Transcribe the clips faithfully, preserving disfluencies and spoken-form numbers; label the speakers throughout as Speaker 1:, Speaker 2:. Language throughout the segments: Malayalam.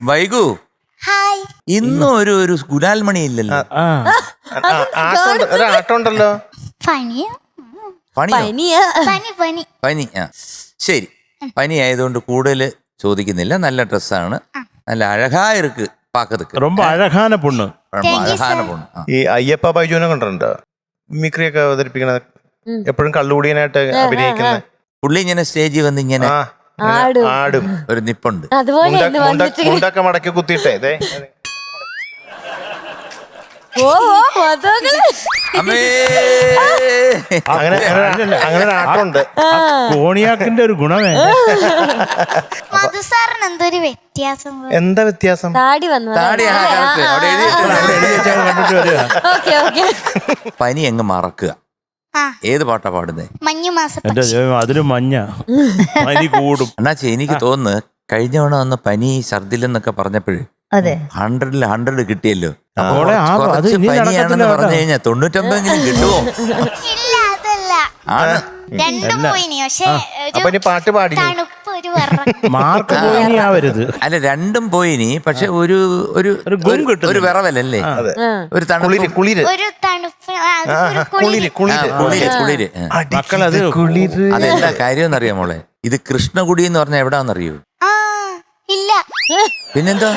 Speaker 1: വൈകു
Speaker 2: ഹായ്.
Speaker 1: ഇന്നും ഒരു ഒരു ഗുലാൽമണി ഇല്ലല്ലോ.
Speaker 3: ആട്ടമുണ്ടല്ലോ.
Speaker 2: പനിയ
Speaker 1: പണിയോ?
Speaker 2: പനി പനി
Speaker 1: പനി. ആ ശരി, പനി ആയതുകൊണ്ട് കൂടുതൽ ചോദിക്കുന്നില്ല. നല്ല ഡ്രസ്സാണ്, നല്ല അഴകാ ഇருக்கு പാക്കതുക്ക്.
Speaker 4: ரொம்ப അഴകാന പൊണ്ണ്,
Speaker 1: അഴകാന പൊണ്ണ്.
Speaker 3: ഈ അയ്യപ്പ ബൈജുവിനെ കണ്ടിട്ടുണ്ടോ? മിമിക്രിയൊക്കെ അവതരിപ്പിക്കണത്, എപ്പോഴും കള്ളുകൂടിയനായിട്ട് അഭിനയിക്കുന്ന
Speaker 1: പുള്ളി ഇങ്ങനെ സ്റ്റേജിൽ വന്ന് ഇങ്ങനെ
Speaker 3: ആടും
Speaker 1: ഒരു നിപ്പുണ്ട്.
Speaker 3: മുണ്ടൊക്കെ മടക്കി കുത്തിയിട്ടേ ഇതേ അങ്ങനെ അങ്ങനെ ഒരു ആട്ടമുണ്ട്.
Speaker 4: കോണിയാക്കിന്റെ ഒരു ഗുണമേ.
Speaker 2: മധുസാറിന് എന്തൊരു വ്യത്യാസം.
Speaker 3: എന്താ വ്യത്യാസം?
Speaker 5: താടി വന്നു.
Speaker 1: പനി അങ്ങ് മറക്കുക. ഏത് പാട്ടാ പാടുന്നേ?
Speaker 2: മഞ്ഞുമാസം.
Speaker 4: എന്റെ അതിന് മഞ്ഞ പനി കൂടും.
Speaker 1: അണ്ണാച്ചി, എനിക്ക് തോന്നുന്നു കഴിഞ്ഞ തവണ വന്ന് പനി ഛർദിലെന്നൊക്കെ പറഞ്ഞപ്പോഴേ ഹൺഡ്രഡിൽ ഹൺഡ്രഡ് കിട്ടിയല്ലോ. കുറച്ച് പനിയാണെന്ന് പറഞ്ഞു കഴിഞ്ഞാൽ തൊണ്ണൂറ്റൊമ്പതെങ്കിലും കിട്ടുമോ?
Speaker 2: ഇല്ല, അതല്ല.
Speaker 1: ആണ്.
Speaker 2: രണ്ടും പോയിനി. പക്ഷേ
Speaker 3: അപ്പൊ ഇനി പാട്ട് പാടി
Speaker 2: തണുപ്പ് ഒരു വെറ.
Speaker 4: മാർക്ക് പോയിനി ആവരുത്.
Speaker 1: അല്ല, രണ്ടും പോയിനി. പക്ഷെ ഒരു ഒരു ഒരു വിറവലല്ലേ, ഒരു തണുപ്പ്,
Speaker 3: കുളിര്
Speaker 2: ഒരു തണുപ്പ്,
Speaker 3: കുളിര് കുളിര്
Speaker 1: കുളിര് കുളിര്.
Speaker 4: മക്കളത്
Speaker 3: കുളിര്.
Speaker 1: അതെന്താ കാര്യം എന്നറിയാം മോളെ? ഇത് കൃഷ്ണകുടി എന്ന് പറഞ്ഞാൽ എവിടാന്നറിയോ?
Speaker 2: ആ ഇല്ല,
Speaker 1: പിന്നെന്താ?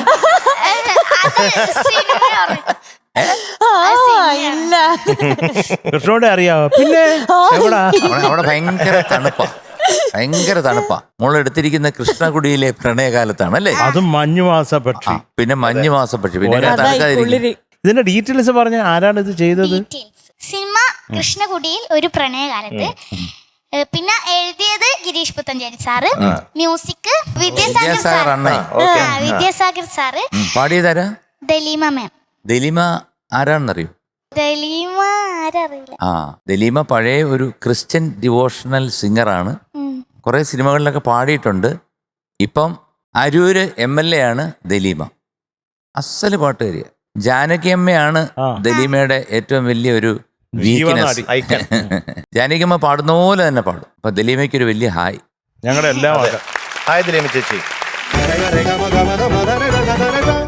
Speaker 5: ഇല്ല,
Speaker 4: കൃഷ്ണോടെ അറിയാവോ? പിന്നെ എവിടാ?
Speaker 1: അവിടെ ഭയങ്കര തണുപ്പാ, ഭയങ്കര തണുപ്പാ. മോളെടുത്തിരിക്കുന്ന കൃഷ്ണകുടിയിലെ പ്രണയകാലത്താണ് അല്ലേ?
Speaker 4: അതും മഞ്ഞുമാസ പക്ഷി.
Speaker 1: പിന്നെ മഞ്ഞുമാസ പക്ഷി. പിന്നെ തണുക്കാതിരിക്കും.
Speaker 4: ഇതിന്റെ ഡീറ്റെയിൽസ് പറഞ്ഞ ആരാണ് ഇത് ചെയ്തത്?
Speaker 2: സിനിമ കൃഷ്ണകുടിയിൽ ഒരു പ്രണയകാലത്ത്. പിന്നെ എഴുതിയത് Girish Puthenchery sir, music Vidyasagar sir, Vidyasagar sir,
Speaker 1: പാടിയതാരാ?
Speaker 2: ദലീമ മാം.
Speaker 1: ദലീമ ആരാണെന്നറിയോ?
Speaker 2: ദലീമ ആരറിയില്ല.
Speaker 1: ആ, ദലീമ പഴയ ഒരു ക്രിസ്ത്യൻ ഡിവോഷണൽ സിംഗറാണ്. കുറെ സിനിമകളിലൊക്കെ പാടിയിട്ടുണ്ട്. ഇപ്പം അരൂര് എം എൽ എ ആണ് ദലീമ. അസല് പാട്ടുകാരിയ. ജാനകി അമ്മയാണ് ദലീമയുടെ ഏറ്റവും വലിയ ഒരു വീക്ക്നെസ്. ജാനകി അമ്മ പാടുന്ന പോലെ തന്നെ പാടും. അപ്പൊ ദലീമയ്ക്ക് ഒരു വലിയ ഹായ്.
Speaker 4: ഞങ്ങളുടെ എല്ലാം
Speaker 3: ഹായ് ദലീമ ചേച്ചി.